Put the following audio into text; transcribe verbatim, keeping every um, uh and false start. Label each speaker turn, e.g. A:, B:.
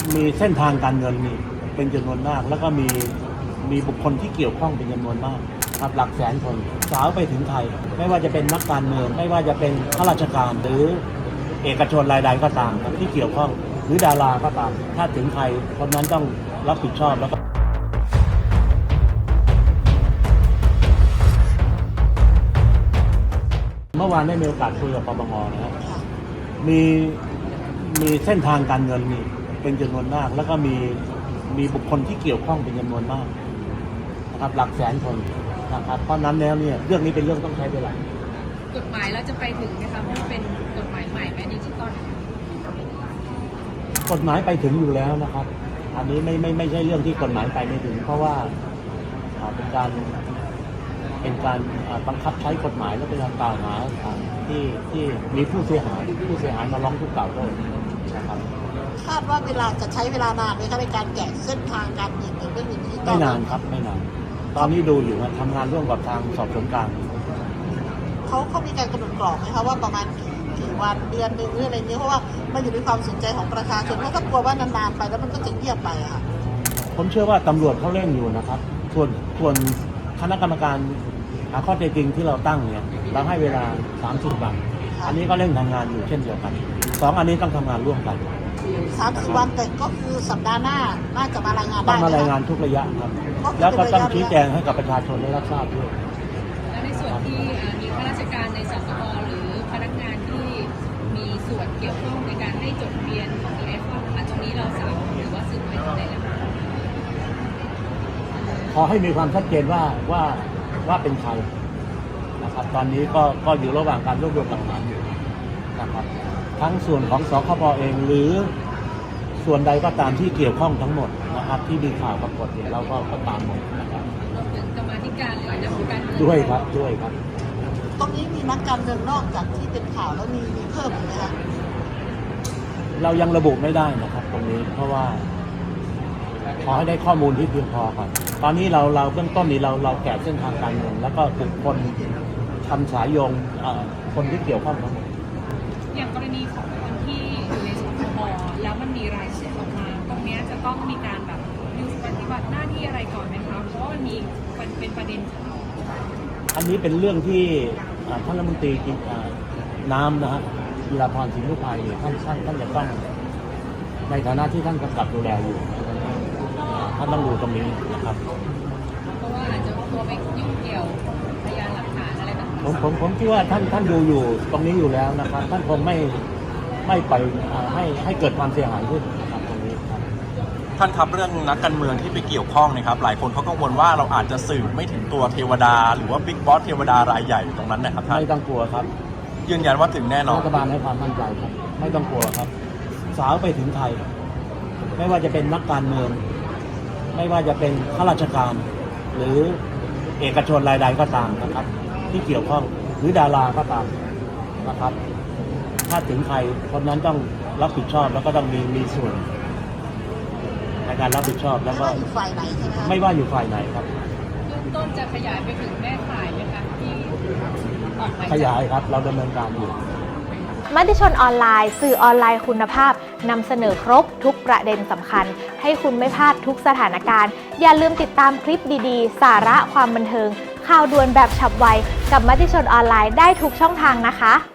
A: มีเส้นทางการเงินนี่เป็นจำนวนมากแล้วก็มีมีบุคคลที่เกี่ยวข้องเป็นจำนวนมากครับหลักแสนคนสาวไปถึงไทยไม่ว่าจะเป็นนักการเมืองไม่ว่าจะเป็นข้าราชการหรือเอกชนรายใดก็ตามที่เกี่ยวข้องหรือดาราก็ตามถ้าถึงไทยคนนั้นต้องรับผิดชอบแล้วก็เมื่อวานได้มีโอกาสคุยกับปปงนะครับมีมีเส้นทางการเงินนี่เป็นจำนวนมากแล้วก็มีมีบุคคลที่เกี่ยวข้องเป็นจำนวนมากนะครับหลักแสนคนนะครับเพราะนั้นแล้วเนี่ยเรื่องนี้เป็นเรื่องต้องใช้เวลาก
B: ฎหมายเราจะไปถึงไหมคะเพราะมันเป็นกฎหมายใหม่แม่ดิจิตอล
A: กฎหมายไปถึงอยู่แล้วนะครับอันนี้ไม่ไม่ไม่ใช่เรื่องที่กฎหมายไปไม่ถึงเพราะว่าเป็นการเป็นการบังคับใช้กฎหมายและเป็นการกล่าวหาที่ที่มีผู้เสียหายผู้เสียหายมาร้องทุกข์กล่าวโทษนะครับ
C: คาดว่าเวลาจะใช้เวลานานไหมคะในการแกะเส้นทางการเงินในเรื่องนี้
A: ไม่นานครับไม่นานตอนนี้ดูอยู่ว่าทำงานร่วมกับทางสอบสวนกลาง
C: เขาเขามีการกำหนดกรอบไหมคะว่าประมาณกี่กี่วันเดือนหนึ่งหรืออะไรนี้เพราะว่ามันอยู่ในความสนใจของประชาชนเพราะถ้ากลัวว่านานๆไปแล้วมันก็จะเงียบไปอะค่ะ
A: ผมเชื่อว่าตำรวจเขาเร่งอยู่นะครับส่วนส่วนคณะกรรมการหาข้อเท็จจริงที่เราตั้งเนี่ยเราให้เวลาสามสิบวันอันนี้ก็เร่งทำงานอยู่เช่นเดียวกันสองอันนี้ต้องทำงานร่วมกัน
C: สามสิบวันแต่ก็คือสัปดาห์หน้าน่าจะมารายงานได้
A: ต้องมารายงานทุกระยะครับแล้วก็ต้องชี้แจงให้กับประชาชนได้รับทราบด้วย
B: และในส่วนที่มีข้าราชการในสสอหรือพนักงานที่มีส่วนเกี่ยวข้องในการให้จดทะเบียนของดีไอคอนตรงนี้เราสามารถหรือว่าสืบไปถึงไหนแล้ว
A: ขอให้มีความชัดเจนว่าว่าว่าเป็นใครนะครับตอนนี้ก็ก็อยู่ระหว่างการรวบรวมหลักฐานอยู่นะครับทั้งส่วนของสคบเองหรือส่วนใดก็ตามที่เกี่ยวข้องทั้งหมดนะครับที่มีข่าวปรากฏเนี่ยเราก็ก็ตามหมดนะครับ
B: รวมถึงกรรมาธิการหรือนักการเมือง
A: ด้วยครับด้วยครับ
C: ตรงนี้มีนักการเมืองนอกจากที่เป็นข่าวแล้วมีมีเพิ่มไหมคะ
A: เรายังระบุไม่ได้นะครับตรงนี้เพราะว่าขอให้ได้ข้อมูลที่เพียงพอครับตอนนี้เราเราเบื้องต้นนี้เราเราแกะเส้นทางการเงินแล้วก็บุคคลทำสายโยงคนที่เกี่ยวข้องทั้งหมด
B: อย่างกรณีของคนที่อยู่ในสคบแล้วมันมีรายชื่อออกมาตรงนี้จะต้องมีการแบบหยุดปฏิบัติหน้าที่อะไรก่อนไหมคะเพราะว่ามันมีเป็นประเด็นข่าว
A: อันนี้เป็นเรื่องที่ท่านรัฐมนตรีน้ำนะฮะจิราพรสิงห์นุภัยท่านท่านท่านจะต้องในฐานะที่ท่านกำกับดูแลอยู่ท่านต้องดูตรงนี้นะครับ
B: เพราะว่าอาจจะตัวไปยุ่งเกี่ยวพยานหลักฐานอะไรต่างๆ
A: ผมผมผมคิดว่าท่านท่านดูอยู่ตรงนี้อยู่แล้วนะครับท่านคงไม่ไม่ไปให้ให้เกิดความเสียหายขึ้นนะครับตรงนี้ครับ
D: ท่านครับเรื่องนักการเมืองที่ไปเกี่ยวข้องนะครับหลายคนเขากังวลว่าเราอาจจะสื่อไม่ถึงตัวเทวดาหรือว่าบิ๊กบอสเทวดารายใหญ่ตรงนั้นนะครับท่าน
A: ไม่ต้องกลัวครับ
D: ยืนยันว่าถึงแน่นอน
A: รัฐบาลให้ความมั่นใจครับไม่ต้องกลัวครับสาวไปถึงไทยไม่ว่าจะเป็นนักการเมืองไม่ว่าจะเป็นข้าราชการหรือเอกชนรายใดก็ตามนะครับที่เกี่ยวข้องหรือดาราก็ตามนะครับถ้าถึงใครคนนั้นต้องรับผิดชอบแล้วก็ต้องมีมีส่วนในการรับผิดชอบแล้วก็
C: อยู่ฝ่ายไหนใช่ไหม
A: ไม่ว่าอยู่ฝ่ายไหนครับ
B: ต้นจะขยายไปถึงแม่ข่ายไหมคะที่ออกไป
A: ขยายครับเราดำเนินการอยู่
E: มติชนออนไลน์สื่อออนไลน์คุณภาพนำเสนอครบทุกประเด็นสำคัญให้คุณไม่พลาดทุกสถานการณ์อย่าลืมติดตามคลิปดีๆสาระความบันเทิงข่าวด่วนแบบฉับไวกับมติชนออนไลน์ได้ทุกช่องทางนะคะ